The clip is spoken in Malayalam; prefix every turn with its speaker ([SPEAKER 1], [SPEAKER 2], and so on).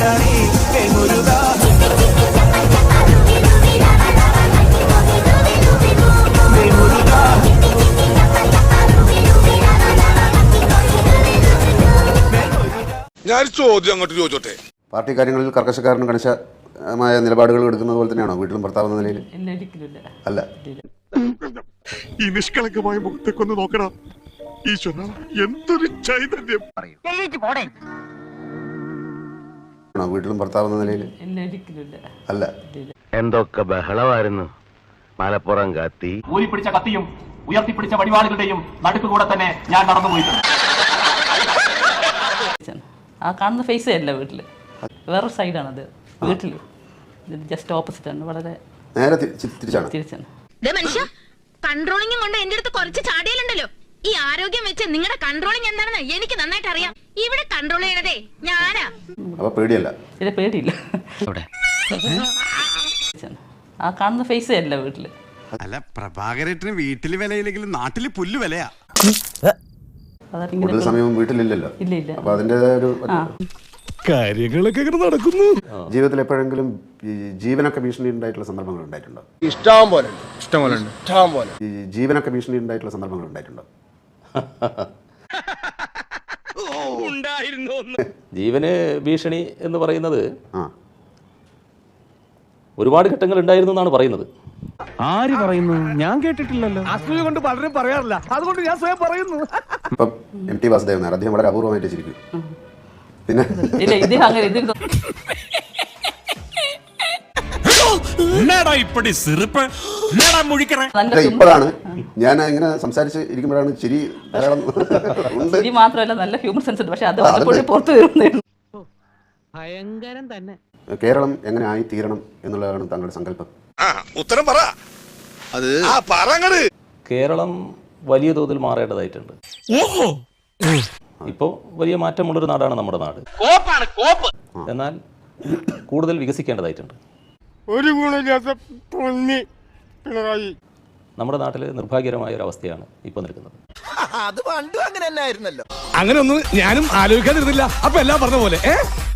[SPEAKER 1] ഞാൻ ചോദ്യം അങ്ങോട്ട് ചോദിച്ചോട്ടെ.
[SPEAKER 2] പാർട്ടി കാര്യങ്ങളിൽ കർക്കശക്കാരനും കണിശമായ നിലപാടുകൾ എടുക്കുന്നത് പോലെ തന്നെയാണോ വീട്ടിലും ഭർത്താവ് എന്ന നിലയിൽ? അല്ല.
[SPEAKER 1] ഈ നിഷ്കളങ്കമായ മുഖത്തേക്കൊന്ന് നോക്കടാ ഈശ്വര, എന്തൊരു ചൈതന്യം.
[SPEAKER 2] വീട്ടിലും ഭർത്താവ് എന്ന നിലയിൽ? അല്ല.
[SPEAKER 3] എന്തൊക്കെ ബഹളമായിരുന്നു. മലപ്പുറം കത്തി
[SPEAKER 4] ഊരിപ്പിടിച്ച കത്തിയും ഉയർത്തിപ്പിടിച്ച വടിവാളുകളുടെയും നടുക്കുകൂടെ തന്നെ ഞാൻ നടന്നുപോയിട്ടുണ്ട്.
[SPEAKER 5] ആ കാണുന്ന ഫേസേ അല്ല വീട്ടില്, വേറൊരു സൈഡാണത്. വീട്ടില് ജസ്റ്റ് ഓപ്പോസിറ്റ് ആണ്, വളരെ
[SPEAKER 2] നേരെ തിരിച്ചാണ്.
[SPEAKER 6] കൺട്രോളിംഗ് കൊണ്ട് എന്റെ അടുത്ത് കുറച്ച് ചാടിയാലുണ്ടല്ലോ. ഈ ആരോഗ്യം വെച്ച് നിങ്ങളുടെ കൺട്രോളിംഗ് എന്താണെന്ന് എനിക്ക് നന്നായിട്ട് അറിയാം. ഇവിടെ കൺട്രോൾ ചെയ്യണതേ ഞാനാ.
[SPEAKER 2] അപ്പൊ പേടിയല്ല?
[SPEAKER 5] പേടിയില്ല. ആ കാണുന്ന ഫേസേ അല്ല വീട്ടില്.
[SPEAKER 7] അല്ല, പ്രഭാകരേട്ടന് വീട്ടില് വിലയില്ലെങ്കിലും നാട്ടില് പുല്ല് വിലയാ.
[SPEAKER 2] കൂടുതൽ സമയവും വീട്ടിലില്ലല്ലോ.
[SPEAKER 5] ഇല്ല.
[SPEAKER 2] അപ്പൊ അതിന്റേതായ ഒരു
[SPEAKER 1] കാര്യങ്ങളൊക്കെ നടക്കുന്നു.
[SPEAKER 2] ജീവിതത്തിൽ എപ്പോഴെങ്കിലും ജീവനൊക്കെ ഭീഷണി ഉണ്ടായിട്ടുള്ള സന്ദർഭങ്ങൾ ഉണ്ടായിട്ടുണ്ടോ?
[SPEAKER 1] ഇഷ്ടം പോലെ.
[SPEAKER 2] ഈ ജീവനൊക്കെ ഭീഷണി ഉണ്ടായിട്ടുള്ള സന്ദർഭങ്ങൾ ഉണ്ടായിട്ടുണ്ടോ?
[SPEAKER 8] ജീവന് ഭീഷണി എന്ന് പറയുന്നത് ഒരുപാട് ഘട്ടങ്ങൾ ഉണ്ടായിരുന്നു എന്നാണ് പറയുന്നത്.
[SPEAKER 3] ആര് പറയുന്നു? ഞാൻ കേട്ടിട്ടില്ലല്ലോ.
[SPEAKER 7] അസൂയ കൊണ്ട് പലരും പറയാറില്ല, അതുകൊണ്ട് ഞാൻ സ്വയം പറയുന്നു.
[SPEAKER 2] ഇപ്പം MT വാസുദേവൻ നായർ അദ്ദേഹം വളരെ അപൂർവമായിട്ട് ചിരിക്കും. പിന്നെ ഇപ്പോഴാണ് ഞാൻ ഇങ്ങനെ സംസാരിച്ച് ഇരിക്കുമ്പോഴാണ് ചിരി ധാരാളം ഉണ്ട്.
[SPEAKER 5] മാത്രമല്ല നല്ല ഹ്യൂമർ സെൻസ് ഉണ്ട്, പക്ഷെ അത് പുറത്തു വരുന്നേ.
[SPEAKER 3] ഭയങ്കരം തന്നെ.
[SPEAKER 2] കേരളം എങ്ങനെ ആയി തീരണം എന്നുള്ളതാണ് താങ്കളുടെ സങ്കല്പം?
[SPEAKER 1] ഉത്തരം പറ. അത്
[SPEAKER 8] കേരളം വലിയ തോതിൽ മാറേണ്ടതായിട്ടുണ്ട്. ഇപ്പോൾ വലിയ മാറ്റമുള്ളൊരു നാടാണ് നമ്മുടെ നാട്. എന്നാൽ കൂടുതൽ വികസിക്കേണ്ടതായിട്ടുണ്ട്.
[SPEAKER 1] ഒരു ഗുണമില്ലാത്ത പിണറായി.
[SPEAKER 8] നമ്മുടെ നാട്ടിൽ നിർഭാഗ്യകരമായ ഒരു അവസ്ഥയാണ് ഇപ്പോൾ നിൽക്കുന്നത്.
[SPEAKER 7] അത് പണ്ടും അങ്ങനെ തന്നെ ആയിരുന്നല്ലോ.
[SPEAKER 1] അങ്ങനെ ഒന്നും ഞാനും ആലോചിക്കാതിരുന്നില്ല. അപ്പൊ എല്ലാം പറഞ്ഞ പോലെ